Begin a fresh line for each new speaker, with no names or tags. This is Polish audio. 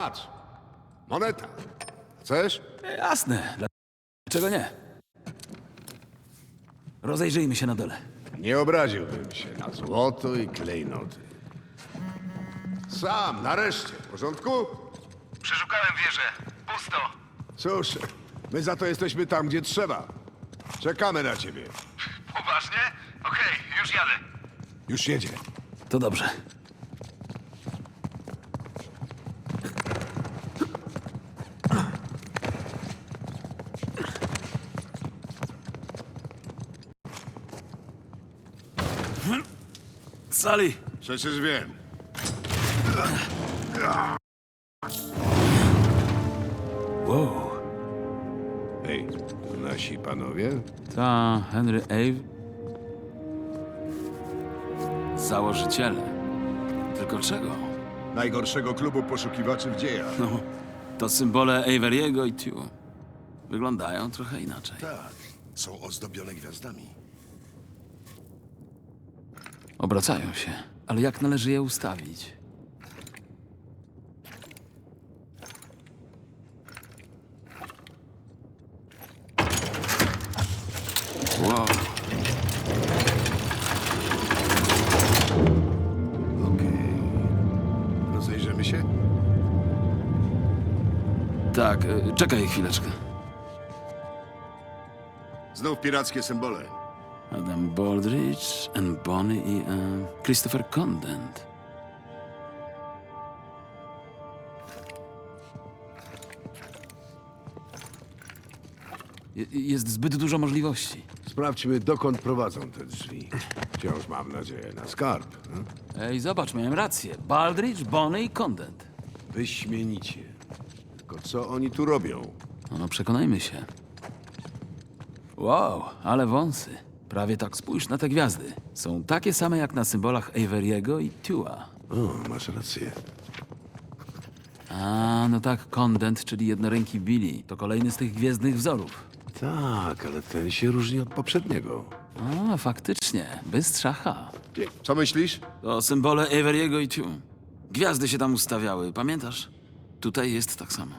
Patrz, moneta. Chcesz?
Jasne, dlaczego nie? Rozejrzyjmy się na dole.
Nie obraziłbym się na złoto i klejnoty. Sam, nareszcie. W porządku?
Przeszukałem wieżę. Pusto.
Cóż, my za to jesteśmy tam, gdzie trzeba. Czekamy na ciebie.
Poważnie? Okej, już jadę.
Już jedzie.
To dobrze. Sali!
Przecież wiem.
Wow.
Hej, to nasi panowie?
Ta Henry Ave. Założyciele. Tylko czego?
Najgorszego klubu poszukiwaczy w dziejach.
No, to symbole Averiego i Tew. Wyglądają trochę inaczej.
Tak, są ozdobione gwiazdami.
Obracają się, ale jak należy je ustawić? Wow.
Okej. Rozejrzymy się?
Tak, czekaj chwileczkę.
Znów pirackie symbole.
Adam Baldridge, Anne Bonny i Christopher Condent. Jest zbyt dużo możliwości.
Sprawdźmy, dokąd prowadzą te drzwi. Wciąż mam nadzieję na skarb.
Ej, zobacz, miałem rację. Baldridge, Bonny i Condent.
Wyśmienicie. Tylko co oni tu robią?
No, przekonajmy się. Wow, ale wąsy. Prawie tak spójrz na te gwiazdy. Są takie same jak na symbolach Averiego i Tewa.
O, masz rację.
A, no tak, Condent, czyli jednoręki Billy. To kolejny z tych gwiezdnych wzorów.
Tak, ale ten się różni od poprzedniego.
A, faktycznie. Bystrza H.
Co myślisz?
To symbole Averiego i Tew. Gwiazdy się tam ustawiały, pamiętasz? Tutaj jest tak samo.